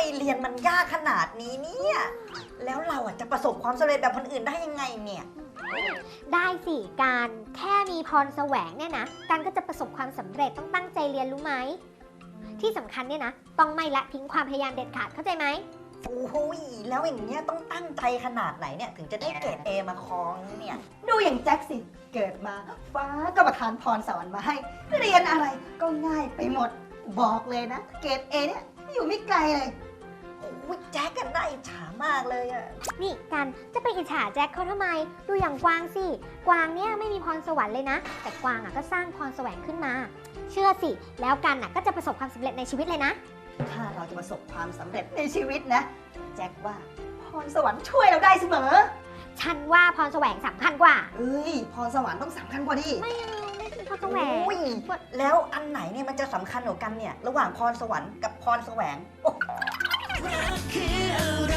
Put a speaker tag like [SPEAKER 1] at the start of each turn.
[SPEAKER 1] เรียนมันยากขนาดนี้เนี่ยแล้วเราจะประสบความสำเร็จแบบคนอื่นได้ยังไงเนี่ย
[SPEAKER 2] ได้สิการแค่มีพรแสวงเนี่ยนะการก็จะประสบความสำเร็จต้องตั้งใจเรียนรู้ไหมที่สำคัญเนี่ยนะต้องไม่ละทิ้งความพยายามเด็ดขาดเข้าใจไหม
[SPEAKER 1] โอ้ยแล้วอย่างเงี้ยต้องตั้งใจขนาดไหนเนี่ยถึงจะได้เกรด A มาครองเนี่ย
[SPEAKER 3] ดูอย่างแจ็คสิเกิดมาฟ้าก็ประทานพรสวรรค์มาให้ เรียนอะไรก็ง่ายไปหมดบอกเลยนะ เกรดเอเนี่ยอยู่ไม่ไกลเลย
[SPEAKER 1] โอ้ยแจ็คกันน่าอิจฉามากเลยอะ
[SPEAKER 2] นี่กันจะไปอิจฉาแจ็คเขาทำไมดูอย่างกวางสิกวางเนี่ยไม่มีพรสวรรค์เลยนะแต่กวางก็สร้างพรแสวงขึ้นมา เชื่อสิแล้วกันก็จะประสบความสำเร็จในชีวิตเลยนะ
[SPEAKER 3] ถ้าเราจะประสบความสำเร็จในชีวิตนะ แจ็คว่าพรสวรรค์ช่วยเราได้เสมอ
[SPEAKER 2] ฉันว่าพรแสวงสำคัญกว่า
[SPEAKER 3] เอ้ยพรสวรรค์ต้องสำคัญกว่าดิ
[SPEAKER 2] ไม่พรแสวง
[SPEAKER 1] โอ้ยแล้วอันไหนเนี่ยมันจะสำคัญกว่ากันเนี่ยระหว่างพรสวรรค์กับพรแสวง
[SPEAKER 4] รักคืออะไร